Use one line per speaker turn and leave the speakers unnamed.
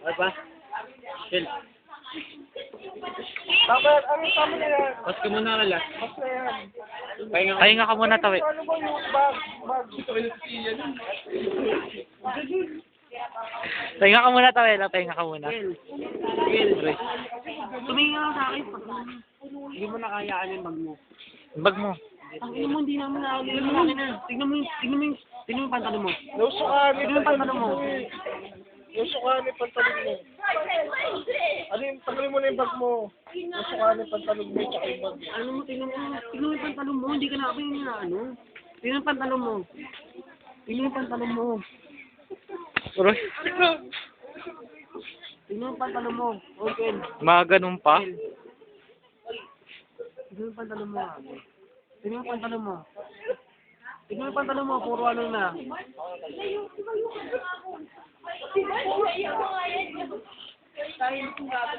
Ano ba? Chill.
Dapat, tama na yan.
Pas ka muna kala.
Mas na yan.
Pahinga ka muna, Tawi.
Ano ba yung bag?
Pahinga ka muna, Tawi. Pahinga ka muna.
Chill. Tumingin ka lang sa akin. Hindi mo nakayaan yung bag mo.
Bag mo.
Ang ino mo, hindi namin nakakalimutan sa akin na. Tignan mo yung pantalon mo.
Nausukahan
Tignan mo yung pantalon mo.
Nausukahan yung pantalon mo. Ano yung tanggalin mo na yung bag mo? Nausukahan yung pantalon mo tsaka yung bag mo.
Ano mo, tignan mo yung pantalon mo. Hindi ka na yun na ano. Tignan yung pantalon mo. Tignan yung pantalon mo.
Uroy.
Tignan yung pantalon mo. Okay.
Mga ganun pa.
Tignan yung pantalon mo. Tignan yung pantalon mo. Tignan yung pantalon mo. Puro ano na.